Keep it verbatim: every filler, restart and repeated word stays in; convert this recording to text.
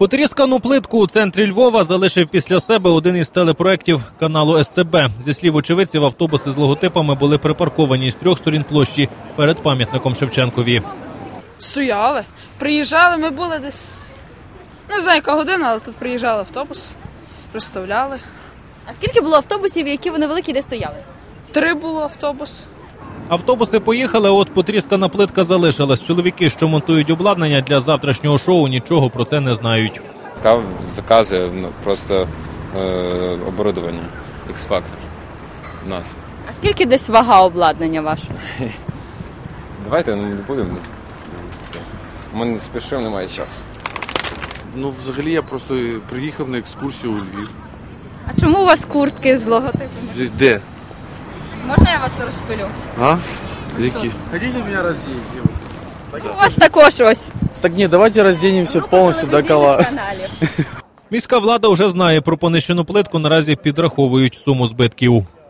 Потріскану плитку у центрі Львова залишив після себе один із телепроєктів каналу Ес Те Бе. Зі слів очевидців, автобуси з логотипами були припарковані з трьох сторін площі перед пам'ятником Шевченкові. Стояли, приїжджали, ми були десь, не знаю яка година, але тут приїжджали автобус, розставляли. А скільки було автобусів, які вони великі, де стояли? Три було автобус. Автобуси поїхали, а от потріскана плитка залишилась. Чоловіки, що монтують обладнання для завтрашнього шоу, нічого про це не знають. Кав заказує ну, просто е, оборудовання, X-Factor у нас. А скільки десь вага обладнання вашого? Давайте ну, не будемо. Ми не спішимо, немає часу. Ну, взагалі, я просто приїхав на екскурсію у Львів. А чому у вас куртки з логотипами? Де? Можна я вас розпилю? А? Які? Хотите меня раздеть? У вас також ось. Так нет, давайте разденемся полностью до кола. Каналів. Міська влада вже знає про понищену плитку, наразі підраховують суму збитків.